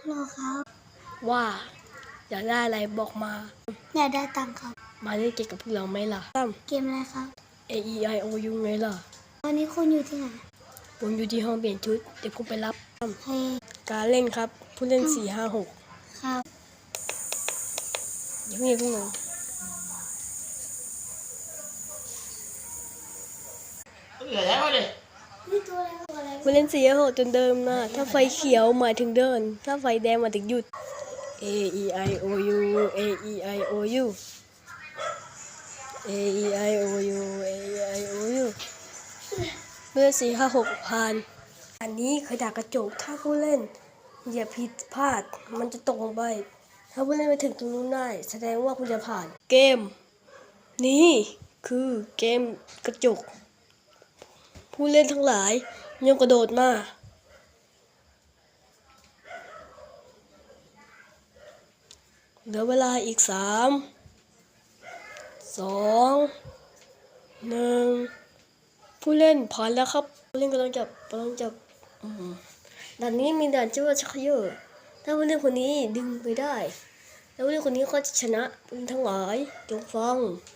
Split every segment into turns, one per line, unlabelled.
รอครับ
ว่าอยากได้อะไรบอกมา
อยากได้ตังค์ครับ
มาเล่นเกมกับพวกเราไหมล่ะตั้ม
เกมอะไรครับ
A E I O U ไงล่ะ
ตอนนี้คุณอยู่ที่ไหน
ผมอยู่ที่ห้องเปลี่ยนชุดเดี๋ยวผมไปรับตั้ม
เฮ้ย
การเล่นครับ ผู้เล่น 4 5 6
ครับ
อย่าเพิ่งพวกเรา
นี่ตัวอะไรตัวอะไร
ผู้เล่น4 5 6จนเดิมนะถ้าไฟเขียวหมายถึงเดิน ถ้าไฟแดงหมายถึงหยุด A E I O U A E I O U A E I O U A E I O U เมื่อ4 5 6ผ่าน อันนี้คือดาบกระจกถ้าผู้เล่นอย่าผิดพลาดมันจะตกลงไปถ้าผู้เล่นไปถึงตรงนู้นได้แสดงว่าคุณจะผ่านเกมนี้คือเกมกระจกผู้เล่นทั้งหลายย่อมกระโดดมาเหลือเวลาอีก3 2 1ผู้เล่นผ่านแล้วครับผู้เล่นกำลังจับด่านนี้มีด่านชื่อว่าชักเยอะถ้าผู้เล่นคนนี้ดึงไปได้แล้วผู้เล่นคนนี้ก็จะชนะผู้เล่นทั้งหลายจงฟัง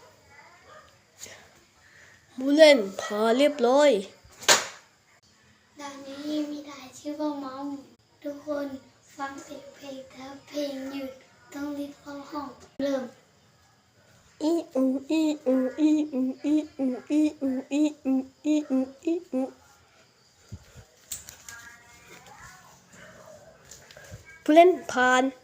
ผู้เล่นผ่านเรียบร้อย
ด่านนี้มีด่านชื่อว่ามัมทุกคนฟังเสียงเพลงถ้าเพลงหยุดต้องรีบเข้าห้องเริ่ม
อีอูอีอูอีอูอีอูอีอูอีอูอีอูอีอูผู้เล่นผ่าน